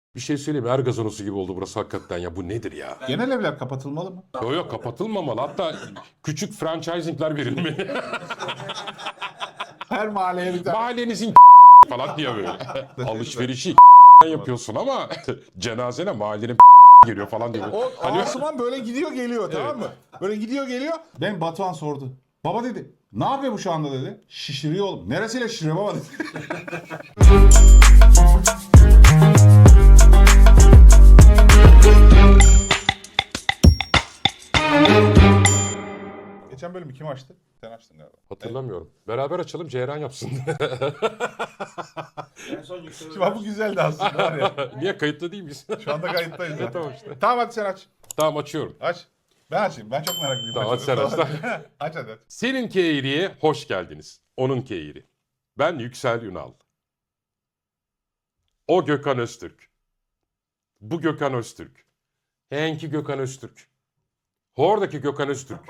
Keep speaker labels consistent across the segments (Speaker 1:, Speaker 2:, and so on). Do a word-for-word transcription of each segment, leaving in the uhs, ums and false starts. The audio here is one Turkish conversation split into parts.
Speaker 1: Bir şey söyleyeyim mi? Er gazanosu gibi oldu burası hakikaten ya. Bu nedir ya?
Speaker 2: Genel evler kapatılmalı mı?
Speaker 1: Yok yok kapatılmamalı. Hatta küçük franchisingler verilmeli.
Speaker 2: Her mahalleye bir tane.
Speaker 1: Mahallenizin falan diye böyle. Alışverişi yapıyorsun ama cenazene mahallenin geliyor falan diyor.
Speaker 2: O
Speaker 1: Hani
Speaker 2: Asuman böyle gidiyor geliyor tamam mı? Böyle gidiyor geliyor. Ben Batuhan sordu. Baba dedi. Ne yapıyor bu şu anda dedi. Şişiriyor oğlum. Neresiyle şişiriyor baba dedi. Geçen bölümü kim açtı? Sen açtın galiba.
Speaker 1: hatırlamıyorum. Beraber açalım Ceyran yapsın.
Speaker 3: En son yükselen.
Speaker 2: Şimdi bak bu güzeldi aslında var ya.
Speaker 1: Niye kayıtlı değil miyiz?
Speaker 2: Şu anda kayıttayız.
Speaker 1: Evet,
Speaker 2: ha.
Speaker 1: tamam işte.
Speaker 2: Tamam hadi sen aç.
Speaker 1: Tamam açıyorum.
Speaker 2: Aç. Ben açayım. Ben çok meraklıyım.
Speaker 1: Tamam, hadi sen aç.
Speaker 2: Aç hadi. aç.
Speaker 1: Seninki eğriye hoş geldiniz. Onunki eğri. Ben Yüksel Ünal. O Gökhan Öztürk. Bu Gökhan Öztürk. Henki Gökhan Öztürk. Horadaki Gökhan Öztürk.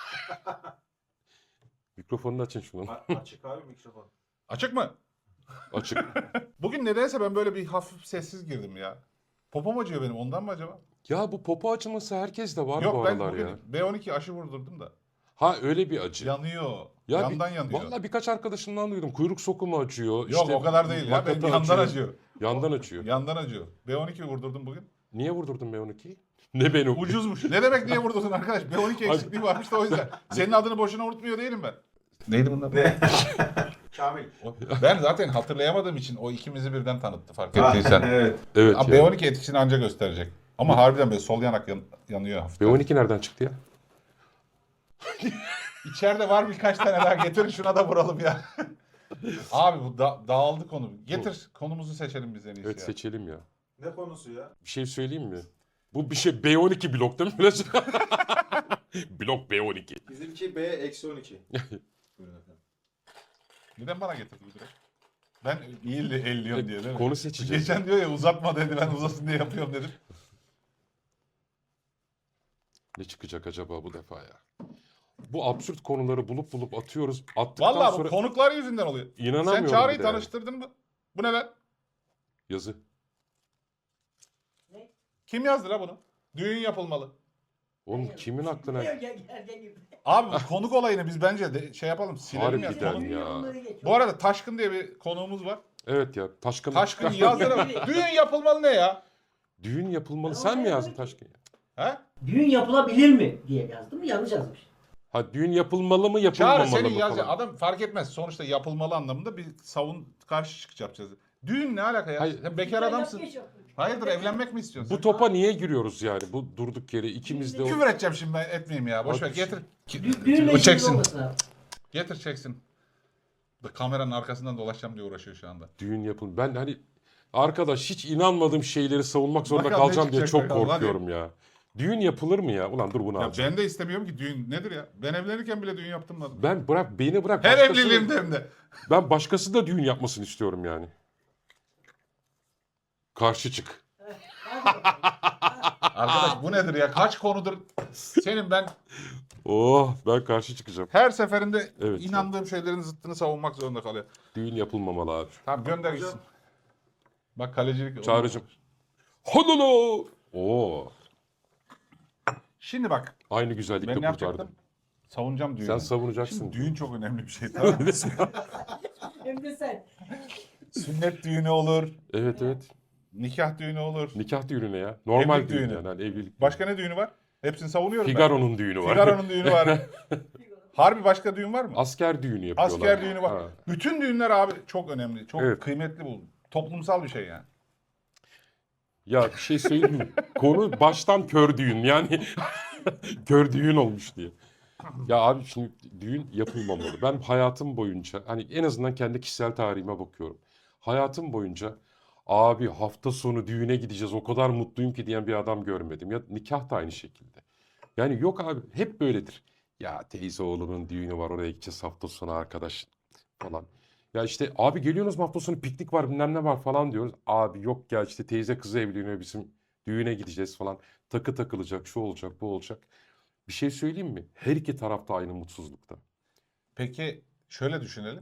Speaker 1: Mikrofonunu açın şunun.
Speaker 3: A- Açık abi mikrofon.
Speaker 2: Açık mı?
Speaker 1: Açık.
Speaker 2: Bugün nedense ben böyle bir hafif sessiz girdim ya. Popom acıyor benim ondan mı acaba?
Speaker 1: Ya bu popo açılması herkes de var bu
Speaker 2: Yok ben
Speaker 1: aralar
Speaker 2: bugün
Speaker 1: ya.
Speaker 2: B on iki aşı vurdurdum da.
Speaker 1: Ha öyle bir acı.
Speaker 2: Yanıyor.
Speaker 1: Ya
Speaker 2: Yandan
Speaker 1: bir,
Speaker 2: yanıyor.
Speaker 1: Vallahi birkaç arkadaşımdan duydum. Kuyruk sokumu acıyor.
Speaker 2: Yok
Speaker 1: işte
Speaker 2: o kadar değil ya. Benim
Speaker 1: makata
Speaker 2: yandan acıyor.
Speaker 1: Yandan acıyor.
Speaker 2: Yandan acıyor. B on iki vurdurdum bugün.
Speaker 1: Niye vurdurdun B on ikiyi? Ne ben o?
Speaker 2: Ucuzmuş. Ne demek niye vurdurdun arkadaş? B on iki eksikliği varmış da o yüzden. Senin adını boşuna unutmuyor değilim ben. Neydi bunlar?
Speaker 3: Ne? Kamil.
Speaker 2: Ben zaten hatırlayamadığım için o ikimizi birden tanıttı fark
Speaker 3: Ah,
Speaker 2: ettiysen.
Speaker 3: evet.
Speaker 1: Evet
Speaker 2: Ama
Speaker 1: ya.
Speaker 2: B on iki etkisini anca gösterecek. Ama harbiden böyle sol yanak yan- yanıyor hafif.
Speaker 1: B on iki nereden çıktı ya?
Speaker 2: İçeride var birkaç tane daha getirin şuna da vuralım ya. Abi bu da- dağıldı konu. Getir konumuzu seçelim biz en iyisi
Speaker 1: Evet
Speaker 2: ya.
Speaker 1: seçelim ya.
Speaker 3: Ne konusu ya?
Speaker 1: Bir şey söyleyeyim mi? Bu bir şey B on iki blok değil mi? Biraz- Blok B on iki.
Speaker 3: Bizimki B eksi on iki. Buyurun efendim.
Speaker 2: Neden bana getirdi bu direkt? Ben iyi elliyorum diye değil mi?
Speaker 1: Konu seçeceğiz.
Speaker 2: Geçen diyor ya uzatma dedi ben uzasın diye yapıyorum dedim.
Speaker 1: Ne çıkacak acaba bu defa ya? Bu absürt konuları bulup bulup atıyoruz. Attıktan
Speaker 2: Vallahi
Speaker 1: sonra
Speaker 2: bu konuklar yüzünden oluyor.
Speaker 1: inanamıyorum.
Speaker 2: Sen Çağrı'yı
Speaker 1: bir de yani.
Speaker 2: tanıştırdın mı? Bu ne lan?
Speaker 1: Yazı.
Speaker 2: Kim yazdı la bunu? Düğün yapılmalı.
Speaker 1: Oğlum kimin aklına...
Speaker 4: Gel gel gel gel.
Speaker 2: Abi bu konuk olayını biz bence de şey yapalım silelim ya.
Speaker 1: Harbiden
Speaker 2: Konuk-
Speaker 1: ya.
Speaker 4: Onları geç.
Speaker 2: Bu arada Taşkın diye bir konuğumuz var.
Speaker 1: Evet ya Taşkın.
Speaker 2: Taşkın yazdı. Düğün yapılmalı ne ya?
Speaker 1: Düğün yapılmalı.
Speaker 4: Ben
Speaker 1: Sen mi
Speaker 4: oraya
Speaker 1: yazdın
Speaker 4: yazdım ki.
Speaker 1: Taşkın?
Speaker 2: He?
Speaker 4: Düğün yapılabilir mi diye yazdım. Yanlış yazmış.
Speaker 1: Ha düğün yapılmalı mı
Speaker 2: Çağrı
Speaker 1: yapılmamalı
Speaker 2: senin
Speaker 1: mı
Speaker 2: yazacağın
Speaker 1: falan.
Speaker 2: adam fark etmez. Sonuçta yapılmalı anlamında bir savun karşı çıkış yapacağız. Düğün ne alaka ya?
Speaker 1: Hayır.
Speaker 2: Sen bekar adamsın.
Speaker 4: Yap, geç yap.
Speaker 2: Hayırdır evlenmek mi istiyorsun?
Speaker 1: Bu topa niye giriyoruz yani? Bu durduk yere ikimiz de... o-
Speaker 2: Küfür edeceğim şimdi ben etmeyeyim ya. Boş ver
Speaker 1: Hadi.
Speaker 2: getir.
Speaker 4: Dü- Düğünle
Speaker 2: O
Speaker 4: ilgili
Speaker 2: çeksin.
Speaker 4: olmasın abi.
Speaker 2: Getir çeksin. Kameranın arkasından dolaşacağım diye uğraşıyor şu anda.
Speaker 1: Düğün yapın. Ben hani arkadaş hiç inanmadığım şeyleri savunmak zorunda
Speaker 2: Bakalım ne
Speaker 1: kalacağım diye
Speaker 2: çıkacak
Speaker 1: çok
Speaker 2: bakalım, hadi.
Speaker 1: korkuyorum ya. Düğün yapılır mı ya? Ulan dur bunu
Speaker 2: Ya
Speaker 1: alacağım.
Speaker 2: ben de istemiyorum ki düğün nedir ya? Ben evlenirken bile düğün yaptırmadım.
Speaker 1: Ben bırak beni bırak.
Speaker 2: Her
Speaker 1: başkasının-
Speaker 2: evliliğimde hem de.
Speaker 1: Ben başkası da düğün yapmasını istiyorum yani. Karşı çık.
Speaker 2: Arkadaş bu nedir ya? Kaç konudur senin ben
Speaker 1: Oh ben karşı çıkacağım.
Speaker 2: her seferinde
Speaker 1: Evet,
Speaker 2: inandığım şeylerin zıttını savunmak zorunda kalıyor.
Speaker 1: Düğün yapılmamalı abi.
Speaker 2: Tamam gönder gitsin. Bak kalecilik.
Speaker 1: Çağrıcım. Honolo. Oo.
Speaker 2: Şimdi bak
Speaker 1: Aynı güzellikle
Speaker 2: ben ne
Speaker 1: kurtardım.
Speaker 2: yapacaktım? Savunacağım düğünü.
Speaker 1: Sen savunacaksın.
Speaker 2: Şimdi düğün çok önemli bir şey tamam mı?
Speaker 4: Hem de sen.
Speaker 2: Sünnet düğünü olur,
Speaker 1: Evet evet.
Speaker 2: nikah düğünü olur.
Speaker 1: Nikah düğünü ne ya? Normal
Speaker 2: Evlilik
Speaker 1: düğün
Speaker 2: düğünü.
Speaker 1: yani. Hani evlilik.
Speaker 2: Başka ne düğünü var? Hepsini savunuyorum ben.
Speaker 1: Figaro'nun düğünü var.
Speaker 2: Figaro'nun düğünü var. Harbi başka düğün var mı?
Speaker 1: Asker düğünü yapıyorlar.
Speaker 2: Asker düğünü var.
Speaker 1: Ha.
Speaker 2: Bütün düğünler abi çok önemli. Çok
Speaker 1: Evet.
Speaker 2: kıymetli bu. Toplumsal bir şey yani.
Speaker 1: Ya bir şey söyleyeyim mi? Konu baştan kör düğün yani. Kör düğün olmuş diye. Ya abi şimdi düğün yapılmamalı. Ben hayatım boyunca hani en azından kendi kişisel tarihime bakıyorum. Hayatım boyunca abi hafta sonu düğüne gideceğiz o kadar mutluyum ki diyen bir adam görmedim. Ya nikah da aynı şekilde. Yani yok abi hep böyledir. Ya teyze oğlunun düğünü var oraya gideceğiz hafta sonu arkadaş falan. Ya işte abi geliyorsunuz mu hafta sonu piknik var bilmem ne var falan diyoruz. Abi yok ya işte teyze kızı evleniyor bizim düğüne gideceğiz falan. Takı takılacak şu olacak bu olacak. Bir şey söyleyeyim mi? Her iki tarafta aynı mutsuzlukta.
Speaker 2: Peki şöyle düşünelim.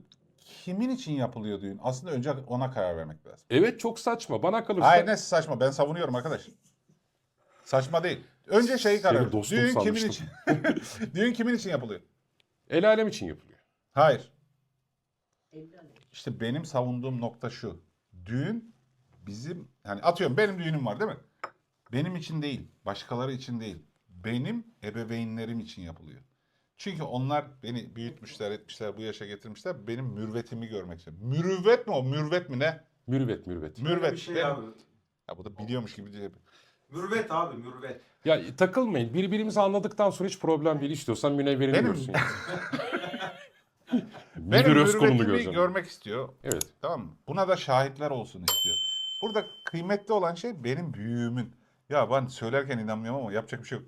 Speaker 2: kimin için yapılıyor düğün? Aslında önce ona karar vermek lazım.
Speaker 1: Evet çok saçma. Bana kalırsa
Speaker 2: Hayır ne saçma, ben savunuyorum arkadaş. Saçma değil. Önce şeyi karar
Speaker 1: Seni
Speaker 2: ver.
Speaker 1: dostum
Speaker 2: Düğün kimin
Speaker 1: sanmıştım.
Speaker 2: için? Düğün kimin için yapılıyor?
Speaker 1: el alem için yapılıyor.
Speaker 2: Hayır.
Speaker 4: Evlen.
Speaker 2: İşte benim savunduğum nokta şu. Düğün bizim, yani atıyorum benim düğünüm var değil mi? Benim için değil, başkaları için değil. Benim ebeveynlerim için yapılıyor. Çünkü onlar beni büyütmüşler, etmişler, bu yaşa getirmişler. Benim mürvetimi görmek istiyor. Mürüvvet mi o? Mürvet mi ne?
Speaker 1: Mürüvvet mürüvvet.
Speaker 2: Mürvet.
Speaker 3: Bir şey
Speaker 2: Benim-
Speaker 3: abi.
Speaker 2: Ya bu da biliyormuş gibi diye.
Speaker 3: Mürvet abi mürvet.
Speaker 1: Ya takılmayın. Birbirimizi anladıktan sonra hiç problem değil. İstiyorsan münevverini
Speaker 2: Benim-
Speaker 1: görsün. yani.
Speaker 2: Benim
Speaker 1: Müdür Özkul'unu
Speaker 2: mürvetimi
Speaker 1: göreceğim.
Speaker 2: görmek istiyor.
Speaker 1: Evet.
Speaker 2: Tamam mı? Buna da şahitler olsun istiyor. Burada kıymetli olan şey benim büyüğümün. Ya ben söylerken inanmıyorum ama yapacak bir şey yok.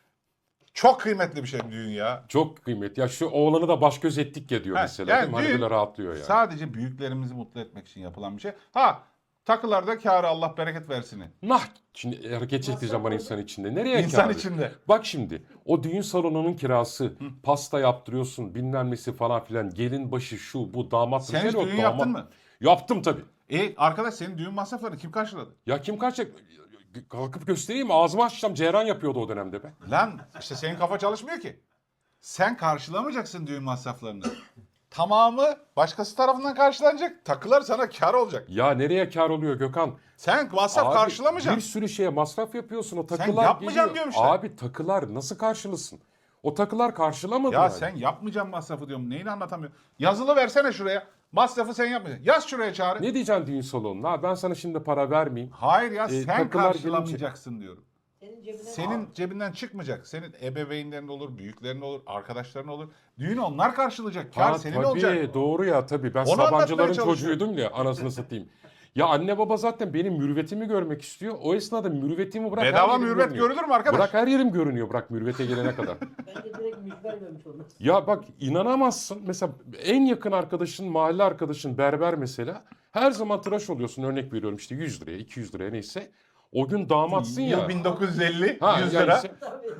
Speaker 2: Çok kıymetli bir şey düğün ya.
Speaker 1: Çok kıymetli. Ya şu oğlanı da baş göz ettik ya diyor
Speaker 2: Ha,
Speaker 1: mesela.
Speaker 2: yani
Speaker 1: değil mi? Hani
Speaker 2: düğün
Speaker 1: böyle rahatlıyor yani.
Speaker 2: Sadece büyüklerimizi mutlu etmek için yapılan bir şey. Ha takılarda kârı Allah bereket versin.
Speaker 1: Nah. Şimdi hareket ettireceğim bana insan içinde. Nereye
Speaker 2: İnsan
Speaker 1: kârı?
Speaker 2: içinde.
Speaker 1: Bak şimdi o düğün salonunun kirası, pasta yaptırıyorsun bilmem nesi falan filan. Gelin başı şu bu damat.
Speaker 2: Sen
Speaker 1: bir
Speaker 2: hiç
Speaker 1: şey yok,
Speaker 2: düğün
Speaker 1: damat-
Speaker 2: yaptın mı?
Speaker 1: Yaptım tabii.
Speaker 2: E arkadaş senin düğün masraflarını kim karşıladı?
Speaker 1: Ya kim kaçacak? Kalkıp göstereyim mi? Ağzımı açacağım. Ceyran yapıyordu o dönemde be.
Speaker 2: Lan işte senin kafa çalışmıyor ki. Sen karşılamayacaksın düğün masraflarını. Tamamı başkası tarafından karşılanacak. Takılar sana kar olacak.
Speaker 1: Ya nereye kar oluyor Gökhan?
Speaker 2: Sen masraf
Speaker 1: Abi,
Speaker 2: karşılamayacaksın.
Speaker 1: bir sürü şeye masraf yapıyorsun. O takılar
Speaker 2: yapmayacaksın
Speaker 1: geliyor.
Speaker 2: diyorum işte.
Speaker 1: Abi takılar nasıl karşılasın? O takılar karşılamadı
Speaker 2: Ya
Speaker 1: yani.
Speaker 2: sen yapmayacaksın masrafı diyorum. Neyini anlatamıyorum. Yazılı versene şuraya. Masrafı sen yapmayacaksın. Yaz şuraya Çağrı.
Speaker 1: Ne diyeceksin düğün salonuna? Ha, ben sana şimdi para vermeyeyim.
Speaker 2: Hayır ya
Speaker 1: E,
Speaker 2: sen
Speaker 1: takılar
Speaker 2: karşılamayacaksın diyorum.
Speaker 4: Senin cebine
Speaker 2: Senin cebinden çıkmayacak. Senin ebeveynlerin olur, büyüklerin olur, arkadaşların olur. Düğünü onlar karşılayacak. Kar
Speaker 1: Ha,
Speaker 2: senin
Speaker 1: tabii,
Speaker 2: olacak.
Speaker 1: doğru ya tabii. Ben
Speaker 2: Onu anlatmaya
Speaker 1: Sabancıların
Speaker 2: çalışıyorum.
Speaker 1: çocuğuydum ya anasını satayım. Ya anne baba zaten benim mürüvvetimi görmek istiyor. O esnada mürüvvetimi bırak. her
Speaker 2: Bedava
Speaker 1: yerim
Speaker 2: mürvet
Speaker 1: görünüyor.
Speaker 2: görülür mü arkadaş?
Speaker 1: Bırak her yerim görünüyor bırak mürüvvete gelene kadar.
Speaker 4: ben de direkt mücver görmüş olmaz.
Speaker 1: Ya bak inanamazsın. Mesela en yakın arkadaşın, mahalle arkadaşın berber mesela. Her zaman tıraş oluyorsun örnek veriyorum işte yüz liraya, iki yüz liraya neyse. O gün damatsın ya.
Speaker 2: Yıl bin dokuz yüz elli,
Speaker 1: Ha,
Speaker 2: yüz
Speaker 1: yani
Speaker 2: lira.
Speaker 1: işte-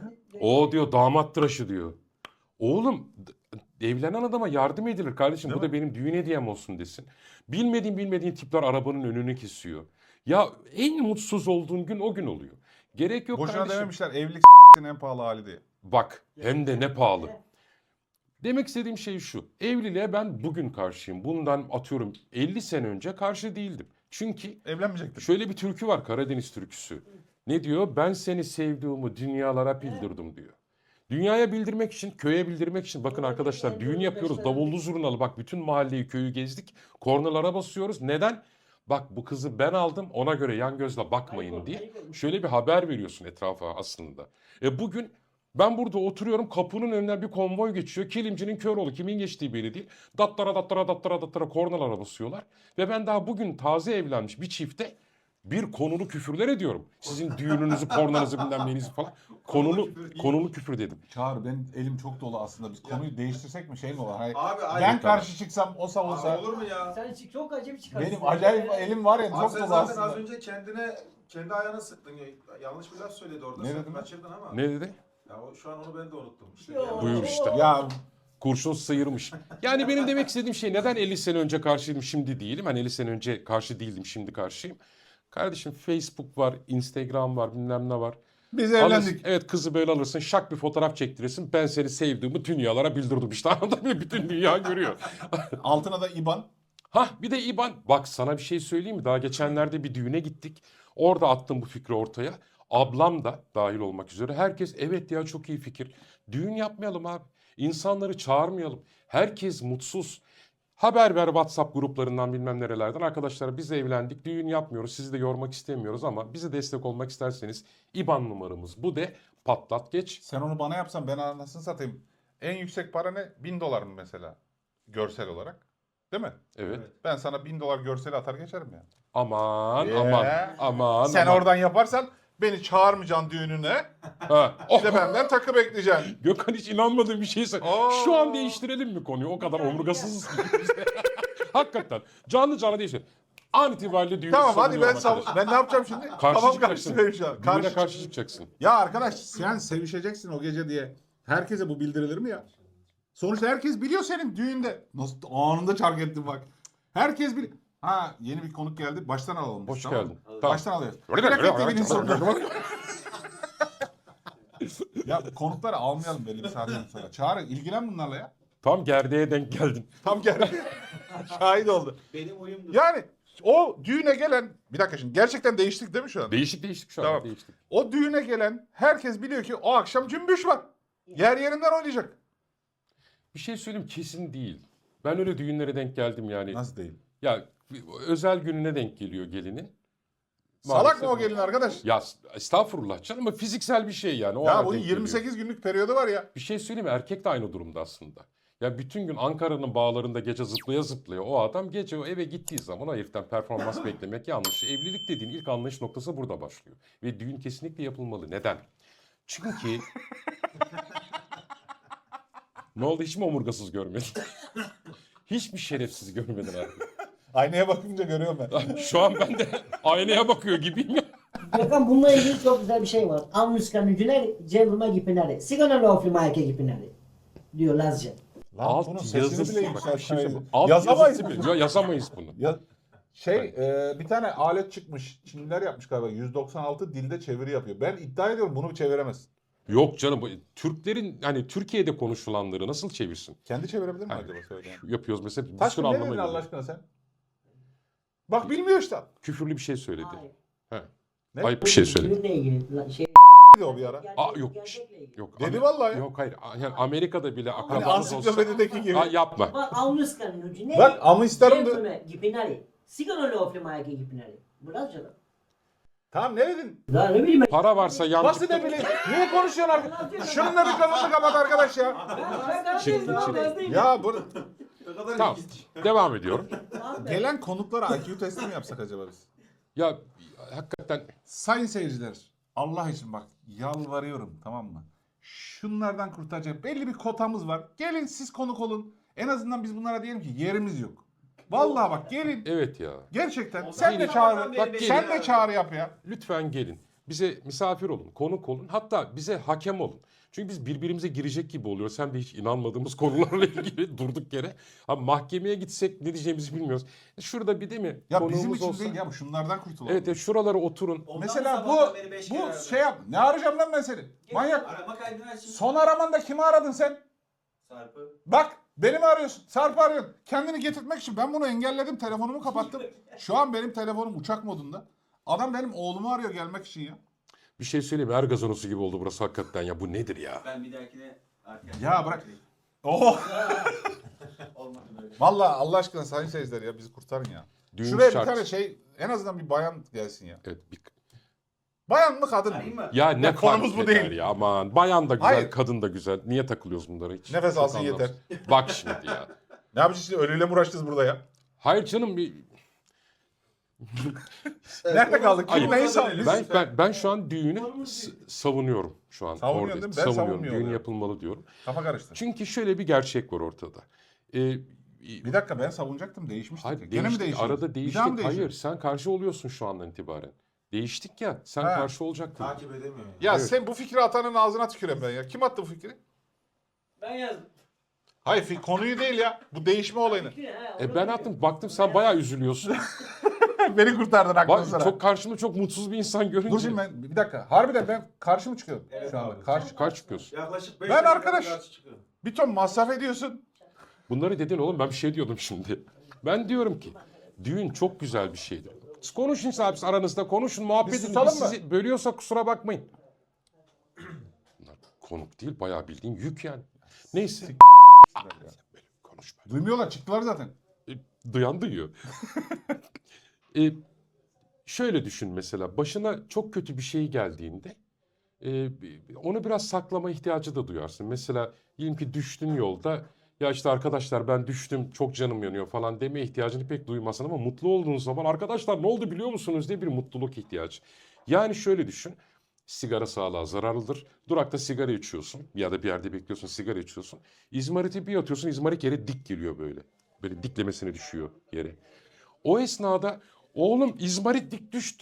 Speaker 1: O diyor damat tıraşı diyor. Oğlum d- evlenen adama yardım edilir kardeşim.
Speaker 2: Değil
Speaker 1: Bu da benim düğün hediyem olsun desin. Bilmediğin bilmediğin tipler arabanın önünü kesiyor. Ya en mutsuz olduğun gün o gün oluyor. Gerek yok
Speaker 2: Boşuna
Speaker 1: kardeşim.
Speaker 2: dememişler evlilik s**tin en pahalı hali diye.
Speaker 1: Bak hem de ne pahalı. Demek istediğim şey şu. Evliliğe ben bugün karşıyım. Bundan atıyorum elli sene önce karşı değildim. Çünkü
Speaker 2: Evlenmeyecektin.
Speaker 1: şöyle bir türkü var Karadeniz türküsü. Ne diyor? Ben seni sevdiğimi dünyalara bildirdim diyor. Dünyaya bildirmek için, köye bildirmek için. Bakın arkadaşlar düğün yapıyoruz. Davullu zurnalı. Bak bütün mahalleyi, köyü gezdik. Kornalara basıyoruz. Neden? Bak bu kızı ben aldım ona göre yan gözle bakmayın diye. Şöyle bir haber veriyorsun etrafa aslında. E bugün ben burada oturuyorum kapının önünden bir konvoy geçiyor. Kilimcinin Köroğlu kimin geçtiği belli değil. Dattara dattara dattara dattara kornalara basıyorlar. Ve ben daha bugün taze evlenmiş bir çifte bir konulu küfürler ediyorum. Sizin düğününüzü, kornanızı bilmem neyinizi falan. Konulu, konulu küfür dedim.
Speaker 2: Çağrı benim elim çok dolu aslında. Biz konuyu değiştirsek mi şey mi var? Hayır.
Speaker 3: Abi,
Speaker 2: ben
Speaker 3: aynı
Speaker 2: karşı çıksam o savunsa.
Speaker 3: Abi olur mu ya?
Speaker 4: Sen çık- çok acayip çıkarsın.
Speaker 2: Benim acayip elim var ya
Speaker 3: Abi
Speaker 2: çok
Speaker 3: sen
Speaker 2: dolu
Speaker 3: zaten
Speaker 2: aslında.
Speaker 3: az önce kendine kendi ayağına sıktın. Ya, yanlış bir laf söyledi orada.
Speaker 2: Ne
Speaker 3: Sen
Speaker 2: dedim ben?
Speaker 3: kaçırdın ama.
Speaker 1: Ne dedi?
Speaker 3: Ya o, şu an onu ben de unuttum. İşte
Speaker 4: Yo.
Speaker 3: yani-
Speaker 1: Buyur işte.
Speaker 2: Ya
Speaker 1: Kurşun sıyırmış. Yani benim demek istediğim şey neden elli sene önce karşıydım şimdi değilim. Hani elli sene önce karşı değildim şimdi karşıyım. Kardeşim Facebook var, Instagram var, bilmem ne var.
Speaker 2: biz
Speaker 1: Alırsın,
Speaker 2: evlendik.
Speaker 1: evet kızı böyle alırsın, şak bir fotoğraf çektirirsin. Ben seni sevdiğimi dünyalara bildirdim işte anladın mı? Bütün dünya görüyor.
Speaker 2: Altına da İban.
Speaker 1: Hah bir de İban. Bak sana bir şey söyleyeyim mi? Daha geçenlerde bir düğüne gittik. Orada attım bu fikri ortaya. Ablam da dahil olmak üzere. Herkes evet ya çok iyi fikir. Düğün yapmayalım abi. İnsanları çağırmayalım. Herkes mutsuz. Haber ver WhatsApp gruplarından bilmem nerelerden. Arkadaşlar biz evlendik. Düğün yapmıyoruz. Sizi de yormak istemiyoruz ama bize destek olmak isterseniz İban numaramız bu de patlat geç.
Speaker 2: Sen onu bana yapsan ben anasını satayım. En yüksek para ne? Bin dolar mı mesela? Görsel olarak. Değil mi?
Speaker 1: Evet.
Speaker 3: Evet.
Speaker 2: Ben sana bin dolar görseli atar geçerim ya.
Speaker 1: Aman
Speaker 2: Yeah.
Speaker 1: aman aman.
Speaker 2: Sen
Speaker 1: aman.
Speaker 2: oradan yaparsan beni çağırmayacaksın düğününe.
Speaker 1: Ha.
Speaker 2: Bir de benden takı bekleyeceksin.
Speaker 1: Gökhan hiç inanmadığım bir şey söyle.
Speaker 2: Aa.
Speaker 1: Şu an değiştirelim mi konuyu? O kadar omurgasızız ki biz de. Hakikaten. Canlı canlı değiştir. An itibariyle düğünü
Speaker 2: Tamam hadi ben
Speaker 1: savunuyorum
Speaker 2: savun.
Speaker 1: arkadaşlar.
Speaker 2: Ben ne yapacağım şimdi?
Speaker 1: Karşı
Speaker 2: Kafam
Speaker 1: çıkacaksın.
Speaker 2: karıştı şu an.
Speaker 1: Düğüne
Speaker 2: Karşı
Speaker 1: karşı çıkacaksın.
Speaker 2: Ya arkadaş sen sevişeceksin o gece diye. Herkese bu bildirilir mi ya? Sonuçta herkes biliyor senin düğünde. Nasıl anında çark ettin bak. Herkes biliyor. Ha yeni bir konuk geldi. Baştan alalım. biz,
Speaker 1: Hoş
Speaker 2: tamam mı?
Speaker 1: geldin. Tamam.
Speaker 2: Baştan alıyoruz. Plaket T V'nin sonunda. Ya konukları almayalım belli bir saatten sonra. Çağrı ilgilen bunlarla ya.
Speaker 1: Tam gerdeğe denk geldin.
Speaker 2: Tam geldi. Şahit oldu.
Speaker 3: Benim oyumdur.
Speaker 2: Yani o düğüne gelen... Bir dakika şimdi gerçekten değiştik değil mi şu an?
Speaker 1: Değişik değişik şu an.
Speaker 2: Tamam.
Speaker 1: Değiştik.
Speaker 2: O düğüne gelen herkes biliyor ki o akşam cümbüş var. Yer yerinden oynayacak.
Speaker 1: Bir şey söyleyeyim kesin değil. Ben öyle düğünlere denk geldim yani.
Speaker 2: Nasıl değil?
Speaker 1: Ya özel gününe denk geliyor gelinin.
Speaker 2: Salak
Speaker 1: Maalesef.
Speaker 2: mı o gelin arkadaş?
Speaker 1: Ya estağfurullah canım ama fiziksel bir şey yani. O
Speaker 2: Ya
Speaker 1: ana
Speaker 2: bunun
Speaker 1: denk geliyor.
Speaker 2: yirmi sekiz günlük periyodu var ya.
Speaker 1: Bir şey söyleyeyim mi? Erkek de aynı durumda aslında. Ya bütün gün Ankara'nın bağlarında gece zıplaya zıplaya o adam gece o eve gittiği zaman o heriften performans beklemek yanlış. Evlilik dediğin ilk anlayış noktası burada başlıyor. Ve düğün kesinlikle yapılmalı. Neden? Çünkü... Ne oldu hiç mi omurgasız görmedin? Hiç mi şerefsiz görmedin abi?
Speaker 2: Aynaya bakınca görüyorum ben.
Speaker 1: Şu an ben de aynaya bakıyor gibiyim ya.
Speaker 4: Gökhan bununla ilgili çok güzel bir şey var. Almışkan ücüner, cevruma gipineri. Sigana lofli mayke gipineri. Diyor Lazca.
Speaker 2: Lan
Speaker 1: Alt
Speaker 2: bunun sesini
Speaker 1: yazısı
Speaker 2: bile
Speaker 1: bak, bir şey
Speaker 2: yükseltmeyiz.
Speaker 1: söyleyeyim. Alt
Speaker 2: Yazamayız
Speaker 1: yazısı
Speaker 2: mı?
Speaker 1: bile- Ya yazamayız bunu.
Speaker 2: Ya, şey e, bir tane alet çıkmış. Çinliler yapmış galiba. yüz doksan altı dilde çeviri yapıyor. Ben iddia ediyorum bunu çeviremez.
Speaker 1: Yok canım bu- Türklerin hani Türkiye'de konuşulanları nasıl çevirsin?
Speaker 2: Kendi çevirebilir mi
Speaker 1: Hayır.
Speaker 2: acaba söyleyen?
Speaker 1: Yapıyoruz mesela bir
Speaker 2: Taş
Speaker 1: sürü
Speaker 2: ne
Speaker 1: anlama
Speaker 2: dedin Allah
Speaker 1: geliyor.
Speaker 2: aşkına sen? Bak bilmiyor işte.
Speaker 1: Küfürlü bir şey söyledi.
Speaker 4: Hayır.
Speaker 1: He.
Speaker 2: Ne?
Speaker 1: Ayıp bir şey söyledi.
Speaker 4: Düğünle ilgili la- şey.
Speaker 2: Dedi o bir ara.
Speaker 1: Aa, yok.
Speaker 4: Gerçekle ilgili.
Speaker 1: Yok.
Speaker 2: Dedi
Speaker 1: Amer-
Speaker 2: vallahi.
Speaker 1: Yok hayır. Yani Amerika'da bile
Speaker 2: Hani
Speaker 1: akrabamız olsa.
Speaker 2: ansiklopedideki gibi.
Speaker 1: Aa, yapma.
Speaker 4: Bak almışkan ücüner.
Speaker 2: Bak ama isterim de.
Speaker 4: Cevruma gipineri. Sigana lofli mayke gipineri. Bu Lazca lan.
Speaker 2: Tamam ne dedin?
Speaker 4: Ya ne bileyim ben.
Speaker 1: Para varsa
Speaker 2: Nasıl
Speaker 1: yancıkta.
Speaker 2: ne bileyim? Niye konuşuyorsun arkadaş? Şunun da mikrofonunu kapat arkadaş ya.
Speaker 1: Çıktı, çıktı.
Speaker 2: Ya bu
Speaker 3: Ne kadar
Speaker 1: Tamam.
Speaker 3: ilginç.
Speaker 1: Devam ediyorum.
Speaker 2: gelen konuklara I Q testi mi yapsak acaba biz?
Speaker 1: Ya hakikaten
Speaker 2: Sayın seyirciler, Allah için bak yalvarıyorum tamam mı? Şunlardan kurtaracak belli bir kotamız var. Gelin siz konuk olun. En azından biz bunlara diyelim ki yerimiz yok. Vallahi bak gelin.
Speaker 1: evet ya.
Speaker 2: Gerçekten.
Speaker 3: O
Speaker 2: Sen de
Speaker 3: zaman
Speaker 2: çağır.
Speaker 3: beni
Speaker 2: Bak
Speaker 3: bekle
Speaker 2: sen
Speaker 3: ya.
Speaker 2: de çağrı yap ya.
Speaker 1: Lütfen gelin. Bize misafir olun, konuk olun. Hatta bize hakem olun. Çünkü biz birbirimize girecek gibi oluyoruz. Hem de hiç inanmadığımız konularla ilgili durduk yere. Ama mahkemeye gitsek ne diyeceğimizi bilmiyoruz. Şurada bir değil mi?
Speaker 2: Ya
Speaker 1: konuğumuz
Speaker 2: bizim için
Speaker 1: olsa-
Speaker 2: değil ya bu şunlardan kurtulalım.
Speaker 1: Evet, evet şuralara oturun.
Speaker 3: Ondan
Speaker 2: Mesela
Speaker 3: sabahtan
Speaker 2: bu
Speaker 3: beri beş
Speaker 2: bu
Speaker 3: kere aradım.
Speaker 2: şey yap. Ne arayacağım lan ben seni? Manyak.
Speaker 3: Arama kaydını aç şimdi.
Speaker 2: Son aramanda kimi aradın sen?
Speaker 3: Sarp'ı.
Speaker 2: Bak beni mi arıyorsun? Sarp'ı arıyorsun. Kendini getirtmek için ben bunu engelledim. Telefonumu kapattım. Şu an benim telefonum uçak modunda. Adam benim oğlumu arıyor gelmek için ya.
Speaker 1: Bir şey söyleyeyim mi? Er gazanosu gibi oldu burası hakikaten ya. Bu nedir ya?
Speaker 3: Ben bir dahakine arkadaşlar.
Speaker 2: Ya bırak. Oh.
Speaker 3: Olmadı böyle.
Speaker 2: Vallahi Allah aşkına sayın seyirciler ya bizi kurtarın ya.
Speaker 1: Düğün
Speaker 2: Şuraya
Speaker 1: şart.
Speaker 2: bir tane şey en azından bir bayan gelsin ya.
Speaker 1: Evet, bir...
Speaker 2: Bayan mı kadın
Speaker 3: Arayayım
Speaker 2: mı?
Speaker 3: mı?
Speaker 1: Ya ne
Speaker 2: Ya konumuz
Speaker 1: fark
Speaker 2: bu
Speaker 1: eder
Speaker 2: değil.
Speaker 1: ya aman. Bayan da güzel,
Speaker 2: Hayır.
Speaker 1: kadın da güzel. Niye takılıyoruz bunlara hiç?
Speaker 2: Nefes
Speaker 1: Çok
Speaker 2: alsın yeter.
Speaker 1: anlamsız. Bak şimdi ya.
Speaker 2: Ne yapacağız şimdi ölüyle mi uğraşacağız burada ya?
Speaker 1: Hayır canım bir...
Speaker 2: Nerede kaldık? Kim
Speaker 1: Hayır.
Speaker 2: neyi savunuyor?
Speaker 1: Ben, ben, ben şu an düğünü s- savunuyorum şu an.
Speaker 2: Savunuyorsun
Speaker 1: Orada.
Speaker 2: değil mi? Ben
Speaker 1: Savunuyorum.
Speaker 2: savunmuyorum
Speaker 1: Düğün
Speaker 2: ya.
Speaker 1: yapılmalı diyorum.
Speaker 2: Kafa karıştı.
Speaker 1: Çünkü şöyle bir gerçek var ortada. Ee,
Speaker 2: Bir dakika ben savunacaktım değişmiştik.
Speaker 1: hayır,
Speaker 2: ya. Gene mi
Speaker 1: değiştik.
Speaker 2: değişiyor?
Speaker 1: Arada
Speaker 2: Bir daha mı
Speaker 1: değiştik.
Speaker 2: değişiyor?
Speaker 1: Hayır, sen karşı oluyorsun şu andan itibaren. Değiştik ya. Sen
Speaker 2: Ha.
Speaker 1: karşı olacaktın.
Speaker 3: Takip edemiyor. Yani.
Speaker 2: Ya
Speaker 1: Evet.
Speaker 2: sen bu fikri atanın ağzına tüküreyim ben ya. Kim attı bu fikri?
Speaker 4: Ben yazdım.
Speaker 2: Hayır fi- konuyu değil ya. Bu değişme olayını.
Speaker 1: E ben attım. Baktım sen bayağı üzülüyorsun.
Speaker 2: Beni kurtardın aklını
Speaker 1: Bak,
Speaker 2: sana.
Speaker 1: çok karşımda çok mutsuz bir insan görünce.
Speaker 2: Dur şimdi ben bir dakika. Harbiden ben karşı mı çıkıyorum
Speaker 3: Evet
Speaker 2: şu anda?
Speaker 3: abi.
Speaker 2: Karşı.
Speaker 1: Kaç çıkıyorsun?
Speaker 3: Yaklaşık beş
Speaker 2: Ben
Speaker 3: dakika
Speaker 2: arkadaş-
Speaker 3: karşı çıkıyor.
Speaker 2: Bir ton masraf ediyorsun.
Speaker 1: Bunları dedin oğlum ben bir şey diyordum şimdi. Ben diyorum ki düğün çok güzel bir şeydir. Siz konuşun abi siz aranızda konuşun muhabbet
Speaker 2: Biz
Speaker 1: edin.
Speaker 2: tutalım
Speaker 1: Biz
Speaker 2: mı?
Speaker 1: sizi bölüyorsa kusura bakmayın. Bunlar konuk değil bayağı bildiğin yük yani. Neyse. Aa, böyle konuşma.
Speaker 2: Duymuyorlar çıktılar zaten.
Speaker 1: E, duyan duyuyor. e, şöyle düşün mesela başına çok kötü bir şey geldiğinde e, onu biraz saklama ihtiyacı da duyarsın. Mesela diyelim ki düştün yolda ya işte arkadaşlar ben düştüm çok canım yanıyor falan deme ihtiyacını pek duymazsın ama mutlu olduğun zaman arkadaşlar ne oldu biliyor musunuz diye bir mutluluk ihtiyacı. Yani şöyle düşün. Sigara sağlığa zararlıdır. Durakta sigara içiyorsun ya da bir yerde bekliyorsun sigara içiyorsun. İzmariti bir atıyorsun izmarit yere dik geliyor böyle. Böyle diklemesine düşüyor yere. O esnada oğlum izmarit dik düştü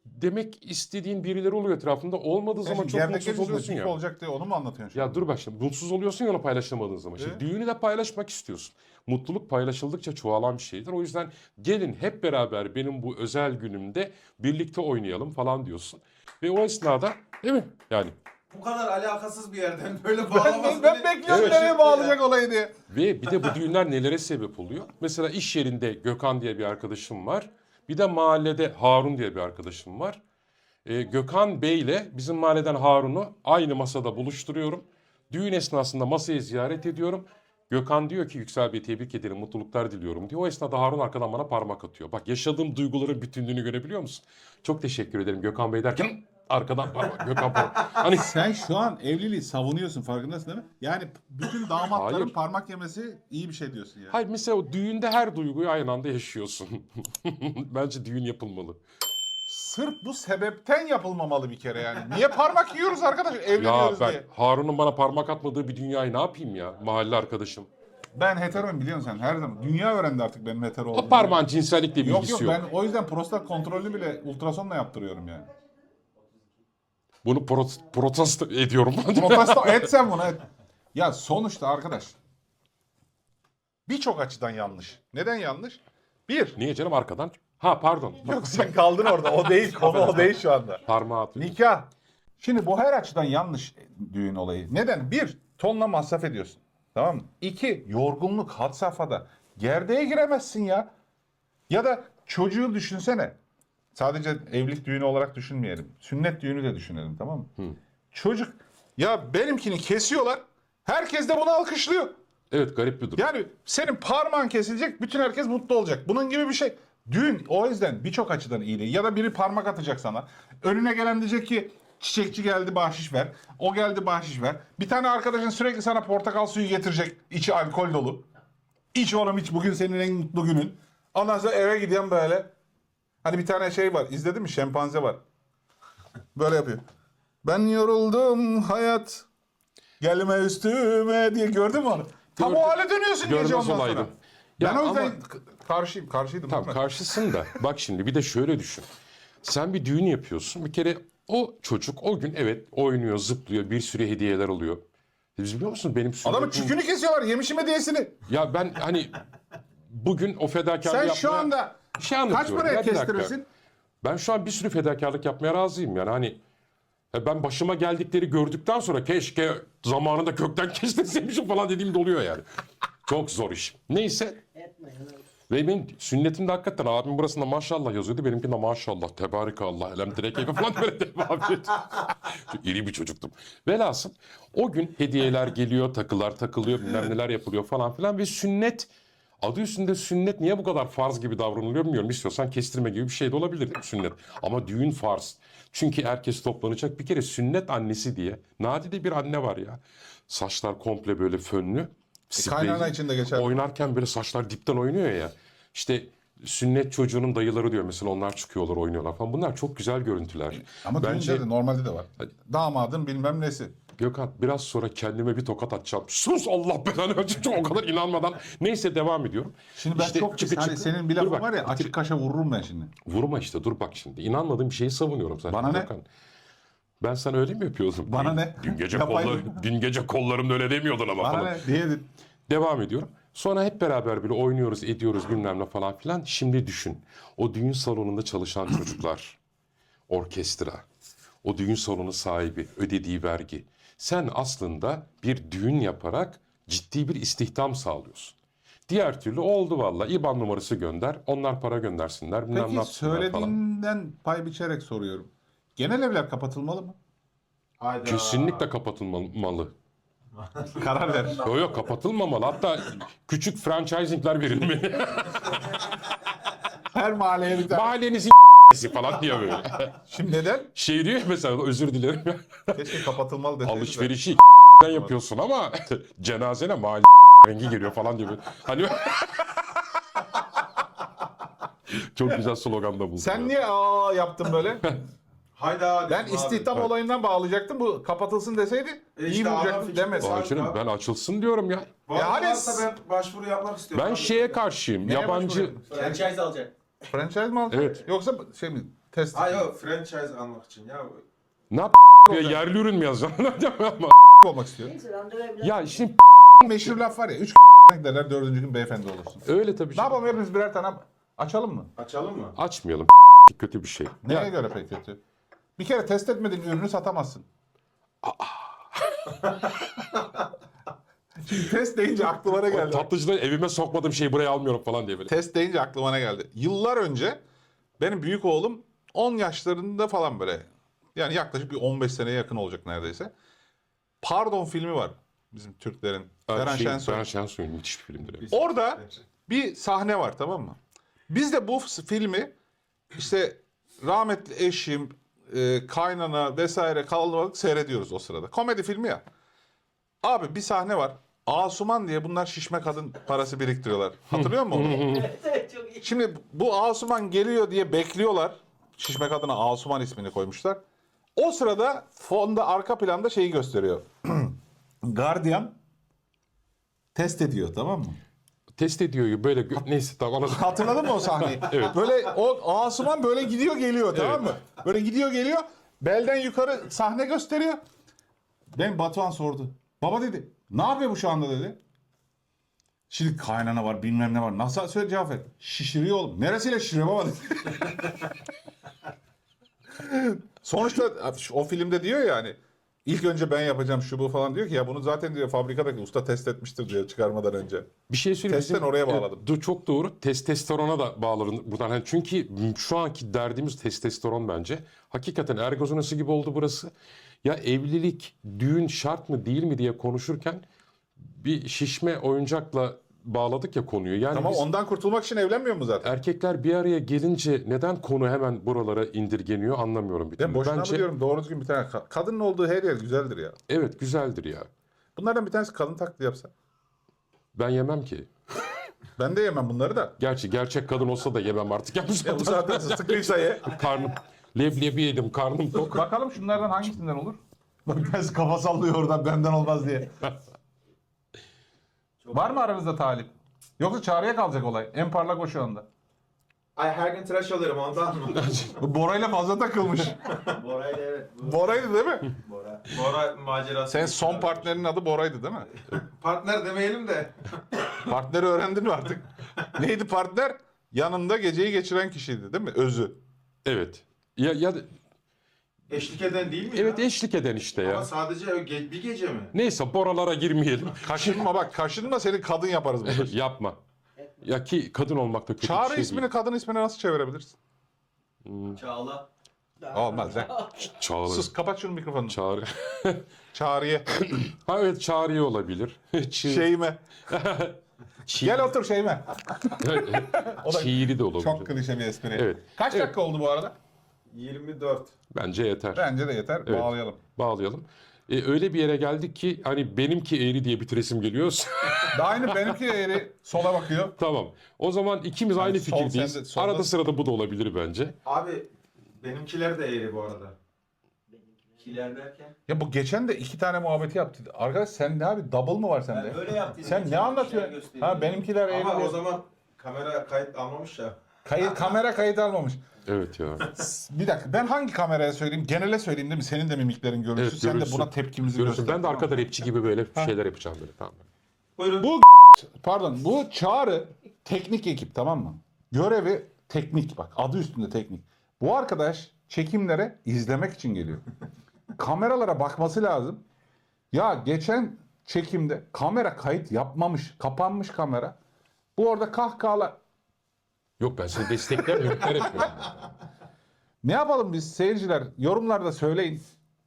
Speaker 1: demek istediğin birileri oluyor etrafında. Olmadığı zaman çok
Speaker 2: Yerdeki
Speaker 1: mutsuz
Speaker 2: içinde
Speaker 1: oluyorsun
Speaker 2: dik
Speaker 1: ya.
Speaker 2: olacak diye onu mu anlatıyorsun şimdi?
Speaker 1: Ya dur bak şimdi mutsuz oluyorsun ya onu paylaşamadığın zaman. Şimdi
Speaker 2: E?
Speaker 1: düğünü de paylaşmak istiyorsun. Mutluluk paylaşıldıkça çoğalan bir şeydir. O yüzden gelin hep beraber benim bu özel günümde birlikte oynayalım falan diyorsun. Ve o esnada değil mi? Yani
Speaker 3: Bu kadar alakasız bir yerden böyle
Speaker 2: Ben,
Speaker 3: bağlaması
Speaker 2: ben
Speaker 3: beni-
Speaker 2: bekliyorum
Speaker 1: Evet.
Speaker 2: nereye bağlayacak olayı diye.
Speaker 1: ve bir de bu düğünler nelere sebep oluyor? Mesela iş yerinde Gökhan diye bir arkadaşım var. Bir de mahallede Harun diye bir arkadaşım var. Ee, Gökhan Bey ile bizim mahalleden Harun'u aynı masada buluşturuyorum. Düğün esnasında masayı ziyaret ediyorum. Gökhan diyor ki Yüksel Bey tebrik ederim, mutluluklar diliyorum diyor. O esnada Harun arkadan bana parmak atıyor. Bak yaşadığım duyguların bütünlüğünü görebiliyor musun? Çok teşekkür ederim Gökhan Bey derken arkadan parmak Gökhan parmak. Hani
Speaker 2: Sen şu an evliliği savunuyorsun farkındasın değil mi? Yani bütün damatların
Speaker 1: Hayır.
Speaker 2: parmak yemesi iyi bir şey diyorsun yani.
Speaker 1: hayır mesela o düğünde her duyguyu aynı anda yaşıyorsun. Bence düğün yapılmalı.
Speaker 2: Sırf bu sebepten yapılmamalı bir kere yani. Niye parmak yiyoruz arkadaş
Speaker 1: Ya
Speaker 2: evleniyoruz
Speaker 1: ben
Speaker 2: diye.
Speaker 1: Harun'un bana parmak atmadığı bir dünyayı ne yapayım ya mahalle arkadaşım.
Speaker 2: Ben heteroyum biliyorsun sen her zaman. Dünya öğrendi artık benim hetero olduğumu.
Speaker 1: O parmağın cinsellikle bir
Speaker 2: Yok
Speaker 1: ilgisi
Speaker 2: yok
Speaker 1: yok.
Speaker 2: ben o yüzden prostat kontrolünü bile ultrasonla yaptırıyorum yani.
Speaker 1: Bunu prot protesto ediyorum.
Speaker 2: Protesto et sen bunu et. Ya sonuçta arkadaş birçok açıdan yanlış. Neden yanlış? Bir.
Speaker 1: Niye canım arkadan? Ha pardon.
Speaker 2: Yok sen kaldın orada. O değil. Konu o değil şu anda.
Speaker 1: Parmağı atıyor.
Speaker 2: Nikah. Şimdi bu her açıdan yanlış düğün olayı. Neden? Bir, tonla masraf ediyorsun. Tamam mı? İki, yorgunluk had safhada. Gerdeğe giremezsin ya. Ya da çocuğu düşünsene. Sadece evlilik düğünü olarak düşünmeyelim. Sünnet düğünü de düşünelim tamam mı? Çocuk, ya benimkini kesiyorlar. Herkes de bunu alkışlıyor.
Speaker 1: Evet garip bir durum.
Speaker 2: Yani senin parmağın kesilecek, bütün herkes mutlu olacak. Bunun gibi bir şey. Düğün o yüzden birçok açıdan iyi değil. Ya da biri parmak atacak sana. Önüne gelen diyecek ki çiçekçi geldi bahşiş ver. O geldi bahşiş ver. Bir tane arkadaşın sürekli sana portakal suyu getirecek. İçi alkol dolu. İç oğlum iç bugün senin en mutlu günün. Ondan sonra eve gidiyorum böyle. Hani bir tane şey var. İzledin mi? Şempanze var. Böyle yapıyor. Ben yoruldum hayat. Gelme üstüme diye gördün mü onu? Tam
Speaker 1: Gördüm.
Speaker 2: o hale dönüyorsun gece
Speaker 1: Görmez
Speaker 2: ondan
Speaker 1: olaydım.
Speaker 2: sonra.
Speaker 1: Ya
Speaker 2: Ben o yüzden
Speaker 1: ama-
Speaker 2: k- karşıyım. Karşıydım.
Speaker 1: Tamam
Speaker 2: değil mi?
Speaker 1: karşısın da bak şimdi bir de şöyle düşün. Sen bir düğün yapıyorsun. Bir kere o çocuk o gün evet oynuyor, zıplıyor, bir sürü hediyeler alıyor. Biz biliyor musun benim
Speaker 2: Adamın
Speaker 1: sünnetim...
Speaker 2: çükünü kesiyorlar. Yemişim hediyesini.
Speaker 1: Ya ben hani bugün o fedakarlığı
Speaker 2: Sen şu
Speaker 1: yapmaya-
Speaker 2: anda
Speaker 1: Bir şey
Speaker 2: kaç
Speaker 1: anlatıyorum.
Speaker 2: paraya
Speaker 1: Ya bir dakika.
Speaker 2: kestirirsin?
Speaker 1: Ben şu an bir sürü fedakarlık yapmaya razıyım yani hani ya ben başıma geldikleri gördükten sonra keşke zamanında kökten kestirseymişim falan dediğim de oluyor yani. Çok zor iş. Neyse
Speaker 4: Etme.
Speaker 1: ve benim sünnetimde hakikaten abim burasında maşallah yazıyordu. Benimkinde maşallah, tebarekallah, elem direk falan böyle devam ediyor. Çok iri bir çocuktum. Velhasıl o gün hediyeler geliyor, takılar takılıyor, bilmem neler yapılıyor falan filan ve sünnet adı üstünde sünnet niye bu kadar farz gibi davranılıyor bilmiyorum. İstiyorsan kestirme gibi bir şey de olabilir değil mi sünnet? Ama düğün farz. Çünkü herkes toplanacak. Bir kere sünnet annesi diye nadide bir anne var ya. Saçlar komple böyle fönlü. spreyli.
Speaker 2: Kaynana için de geçerli.
Speaker 1: Oynarken böyle saçlar dipten oynuyor ya. İşte sünnet çocuğunun dayıları diyor mesela onlar çıkıyorlar oynuyorlar falan. Bunlar çok güzel görüntüler.
Speaker 2: Ama
Speaker 1: Bence
Speaker 2: düğünde de normalde de var. Damadın bilmem nesi.
Speaker 1: Gökhan biraz sonra kendime bir tokat atacağım. Sus Allah belanı versin. Çok o kadar inanmadan. Neyse devam ediyorum.
Speaker 2: Şimdi ben
Speaker 1: İşte
Speaker 2: çok
Speaker 1: çıkı
Speaker 2: pis. Hani
Speaker 1: çıkı-
Speaker 2: senin bir
Speaker 1: Dur
Speaker 2: lafın
Speaker 1: bak,
Speaker 2: var ya
Speaker 1: bitir-
Speaker 2: açık kaşa vururum ben şimdi.
Speaker 1: Vurma işte dur bak şimdi. İnanmadığım bir şeyi savunuyorum zaten.
Speaker 2: Bana ne?
Speaker 1: Gökhan. Ben sana öyle mi yapıyordum?
Speaker 2: Bana
Speaker 1: Dün-
Speaker 2: ne?
Speaker 1: Dün gece
Speaker 2: Yapayım.
Speaker 1: kollar, dün gece kollarımda öyle demiyordun ama
Speaker 2: Bana
Speaker 1: falan.
Speaker 2: ne diye
Speaker 1: Devam ediyorum. Sonra hep beraber böyle oynuyoruz, ediyoruz bilmem ne falan filan. Şimdi düşün. O düğün salonunda çalışan çocuklar, orkestra, o düğün salonu sahibi, ödediği vergi. Sen aslında bir düğün yaparak ciddi bir istihdam sağlıyorsun. Diğer türlü oldu valla. İban numarası gönder, onlar para göndersinler, bilmem ne
Speaker 2: Peki
Speaker 1: yapsınlar falan.
Speaker 2: söylediğinden pay biçerek soruyorum. Genel evler kapatılmalı mı?
Speaker 3: Hayda.
Speaker 1: Kesinlikle kapatılmalı.
Speaker 2: Karar ver.
Speaker 1: Yok yok kapatılmamalı. Hatta küçük franchisingler verilmeli.
Speaker 2: Her mahalleye bir tane.
Speaker 1: Mahallenizin falan diye böyle.
Speaker 2: Şimdi neden?
Speaker 1: Şey diyor mesela özür dilerim.
Speaker 2: Keşke kapatılmalı deseydin de.
Speaker 1: Alışverişi yapıyorsun ama cenazene mahalle rengi geliyor falan diye böyle. Hani çok güzel slogan da buldum.
Speaker 2: Sen
Speaker 1: ya.
Speaker 2: niye aa yaptın böyle?
Speaker 3: Hayda.
Speaker 2: Ben
Speaker 3: dedim abi.
Speaker 2: istihdam olayından bağlayacaktım. Bu kapatılsın deseydi
Speaker 3: E
Speaker 2: iyi
Speaker 3: işte adam
Speaker 2: bulacaktın
Speaker 3: fikri
Speaker 2: demez.
Speaker 3: var.
Speaker 1: Başkanım, ben açılsın diyorum ya.
Speaker 3: Var
Speaker 2: Ya hani-
Speaker 3: varsa ben başvuru yapmak istiyorum.
Speaker 1: Ben
Speaker 3: abi.
Speaker 1: şeye karşıyım.
Speaker 2: Neye
Speaker 1: Yabancı
Speaker 2: başvuruyorsun?
Speaker 5: Franchise alacak.
Speaker 2: Franchise mi alacaksın?
Speaker 1: Evet.
Speaker 2: Yoksa şey mi? test.
Speaker 3: Ha yok franchise almak için ya.
Speaker 1: Ne yap ya, yerli ürün mü yazacaksın? Ama-
Speaker 2: olmak istiyor.
Speaker 4: Neyse randevuya biraz...
Speaker 1: ya şimdi
Speaker 2: Meşhur laf var ya. Üç derler dördüncü gün beyefendi olursun.
Speaker 1: öyle tabii.
Speaker 2: Ne
Speaker 1: Şey.
Speaker 2: yapalım hepimiz birer tane açalım mı?
Speaker 3: Açalım mı?
Speaker 1: Açmayalım. Kötü bir şey.
Speaker 2: Neye
Speaker 1: Ya,
Speaker 2: göre pek kötü? Bir kere test etmediğin ürünü satamazsın. Şimdi test deyince aklıma ne geldi?
Speaker 1: tatlıcıda evime sokmadığım şeyi buraya almıyorum falan diye böyle.
Speaker 2: Test deyince aklıma ne geldi? Yıllar önce benim büyük oğlum on yaşlarında falan böyle. Yani yaklaşık bir on beş seneye yakın olacak neredeyse. Pardon filmi var. Bizim Türklerin. Ferhan
Speaker 1: şey,
Speaker 2: Şensoy.
Speaker 1: Ferhan Şensoy'un müthiş bir filmdir. Evet.
Speaker 2: Orada bir sahne var, tamam mı? Biz de bu filmi işte rahmetli eşim, e, kaynana vesaire kalabalık seyrediyoruz o sırada. Komedi filmi ya. Abi bir sahne var. Asuman diye bunlar şişme kadın parası biriktiriyorlar. Hatırlıyor musun onu?
Speaker 4: Evet, çok iyi.
Speaker 2: Şimdi bu Asuman geliyor diye bekliyorlar. Şişme kadına Asuman ismini koymuşlar. O sırada fonda arka planda şeyi gösteriyor. Gardiyan test ediyor, tamam mı?
Speaker 1: Test ediyor gibi böyle gö- neyse tamam anladım.
Speaker 2: Hatırladın mı o sahneyi? Böyle o Asuman böyle gidiyor geliyor, tamam mı? Böyle gidiyor geliyor. Belden yukarı sahne gösteriyor. Ben Batuhan sordu. Baba dedi. Ne yapıyor bu şu anda dedi. Şimdi kaynana var, bilmem ne var. Nasıl söyle cevap ver. Şişiriyor oğlum. Neresiyle şişiriyor baba dedi. Sonuçta o filmde diyor ya hani ilk önce ben yapacağım şu bu falan diyor ki ya bunu zaten diyor fabrikadaki usta test etmiştir diyor çıkarmadan önce.
Speaker 1: Bir şey söyleyeyim.
Speaker 2: Testten
Speaker 1: bizim-
Speaker 2: oraya bağladım.
Speaker 1: Evet, çok doğru. Testosterona da bağlarım buradan. Yani çünkü şu anki derdimiz testosteron bence. Hakikaten ergozonası gibi oldu burası. Ya evlilik, düğün şart mı değil mi diye konuşurken bir şişme oyuncakla bağladık ya konuyu. Yani
Speaker 2: Tamam
Speaker 1: biz
Speaker 2: ondan kurtulmak için evlenmiyor mu zaten?
Speaker 1: erkekler bir araya gelince neden konu hemen buralara indirgeniyor anlamıyorum bir
Speaker 2: Ben
Speaker 1: türlü.
Speaker 2: boşuna
Speaker 1: Bence
Speaker 2: mı diyorum doğru düzgün bir tane ka- kadının olduğu her yer güzeldir ya.
Speaker 1: evet güzeldir ya.
Speaker 2: Bunlardan bir tanesi kadın taklidi yapsa.
Speaker 1: Ben yemem ki.
Speaker 2: Ben de yemem bunları da.
Speaker 1: Gerçi gerçek kadın olsa da yemem artık. Ya bu
Speaker 2: Ya bu saatten sonra sıkıysa ye.
Speaker 1: karnım leblebi yedim, karnım tok.
Speaker 2: Bakalım şunlardan hangisinden olur? Bak bir tanesi kafa sallıyor oradan benden olmaz diye. Var mı aranızda talip? Yoksa çağrıya kalacak olay. En parlak o şu anda.
Speaker 3: Ay her gün tıraş alırım ondan mı?
Speaker 2: Bu Bora'yla fazla takılmış.
Speaker 3: Bora'yla evet. Bu
Speaker 2: Bora'ydı değil mi?
Speaker 3: Bora. Bora macerası.
Speaker 2: Sen son partnerinin adı Bora'ydı değil mi?
Speaker 3: Partner demeyelim de.
Speaker 2: Partneri öğrendin mi artık? Neydi partner? Yanında geceyi geçiren kişiydi değil mi? Özü.
Speaker 1: Evet. Ya ya
Speaker 3: Eşlik eden değil mi
Speaker 1: evet
Speaker 3: ya?
Speaker 1: eşlik eden işte
Speaker 3: Ama
Speaker 1: ya.
Speaker 3: sadece ge- bir gece mi?
Speaker 1: Neyse boralara girmeyelim.
Speaker 2: Kaşınma bak kaşınma seni kadın yaparız burada.
Speaker 1: Yapma. Ya ki kadın olmak da kötü
Speaker 2: Çağrı
Speaker 1: bir şey
Speaker 2: ismini
Speaker 1: değil.
Speaker 2: kadın ismine nasıl çevirebilirsin?
Speaker 3: Çağla.
Speaker 2: Olmaz ya.
Speaker 1: Çağrı.
Speaker 2: Sus kapat şunu mikrofonunu.
Speaker 1: Çağrı.
Speaker 2: Çağrı'ya.
Speaker 1: Ha evet çağrıya olabilir. Çığ,
Speaker 2: Şeyime.
Speaker 1: çiğ,
Speaker 2: Gel otur Şeyime. O da
Speaker 1: çiğri de olabilir.
Speaker 2: çok klişe bir espri.
Speaker 1: Evet.
Speaker 2: Kaç
Speaker 1: Evet.
Speaker 2: dakika oldu bu arada?
Speaker 3: yirmi dört.
Speaker 1: Bence yeter.
Speaker 2: Bence de yeter.
Speaker 1: Evet.
Speaker 2: Bağlayalım.
Speaker 1: Bağlayalım. E, öyle bir yere geldik ki hani benimki eğri diye bitiresim geliyor.
Speaker 2: Daha aynı benimki de eğri sola bakıyor.
Speaker 1: Tamam. O zaman ikimiz aynı
Speaker 2: sol,
Speaker 1: fikirdeyiz.
Speaker 2: sen de solda-
Speaker 1: Arada sırada bu da olabilir bence.
Speaker 3: Abi benimkiler de eğri bu arada. Kiler derken?
Speaker 2: Ya bu geçen de iki tane muhabbeti yaptı. Arkadaş sen ne abi double mı var sende?
Speaker 3: öyle yaptım.
Speaker 2: Sen ne anlatıyorsun? Ha benimkiler eğri.
Speaker 3: Ama
Speaker 2: diyor.
Speaker 3: o zaman kamera kayıt almamış ya.
Speaker 2: Kayıt, kamera kayıt almamış.
Speaker 1: Evet ya.
Speaker 2: Bir dakika ben hangi kameraya söyleyeyim? Genele söyleyeyim değil mi? Senin de mimiklerin görünsün.
Speaker 1: Evet,
Speaker 2: Sen de
Speaker 1: görünsün.
Speaker 2: buna tepkimizi
Speaker 1: Görüyorsun.
Speaker 2: göster.
Speaker 1: Ben de arkada rapçi gibi böyle şeyler yapacağım böyle. Tamam.
Speaker 3: Buyurun.
Speaker 2: Bu pardon bu Çağrı teknik ekip tamam mı? Görevi teknik bak adı üstünde teknik. Bu arkadaş çekimlere izlemek için geliyor. Kameralara bakması lazım. Ya geçen çekimde kamera kayıt yapmamış. Kapanmış kamera. Bu orada kahkahalar.
Speaker 1: Yok ben seni desteklemiyorum. Ben etmiyorum.
Speaker 2: Ne yapalım biz seyirciler? Yorumlarda söyleyin.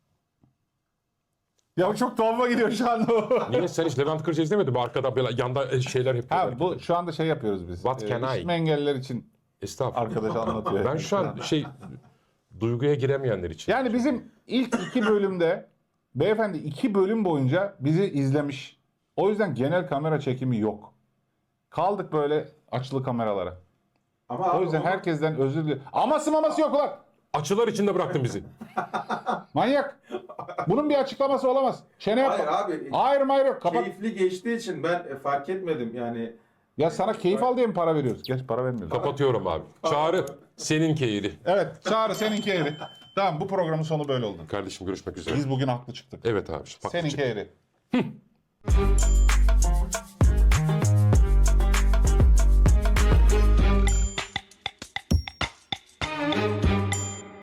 Speaker 2: Ya çok tuhafıma gidiyor şu anda o.
Speaker 1: Niye sen hiç Levent Kırca izlemedin mi? Arkada böyle yanda şeyler yapıyorlar.
Speaker 2: Ha bu şu anda şey yapıyoruz biz.
Speaker 1: What can I?
Speaker 2: işitme engelliler için
Speaker 1: Estağfurullah.
Speaker 2: arkadaş anlatıyor.
Speaker 1: Ben şu an şey duyguya giremeyenler için.
Speaker 2: Yani bizim ilk iki bölümde beyefendi iki bölüm boyunca bizi izlemiş. O yüzden genel kamera çekimi yok. Kaldık böyle açılı kameralara.
Speaker 3: Ama
Speaker 2: O
Speaker 3: abi
Speaker 2: yüzden
Speaker 3: onu-
Speaker 2: herkesten özür dilerim. Aması maması yok ulan.
Speaker 1: Açılar içinde bıraktın bizi.
Speaker 2: Manyak. Bunun bir açıklaması olamaz. Çene yapma.
Speaker 3: Hayır abi.
Speaker 2: Hayır hayır yok. Kapat.
Speaker 3: Keyifli geçtiği için ben e, fark etmedim yani.
Speaker 2: Ya sana keyif al diye mi para veriyoruz? Geç para vermiyoruz.
Speaker 1: Kapatıyorum abi. Çağrı Seninki eğri.
Speaker 2: Evet Çağrı seninki eğri. Tamam bu programın sonu böyle oldu.
Speaker 1: Kardeşim görüşmek üzere.
Speaker 2: Biz bugün haklı çıktık.
Speaker 1: Evet abi. Bak,
Speaker 2: Seninki eğri.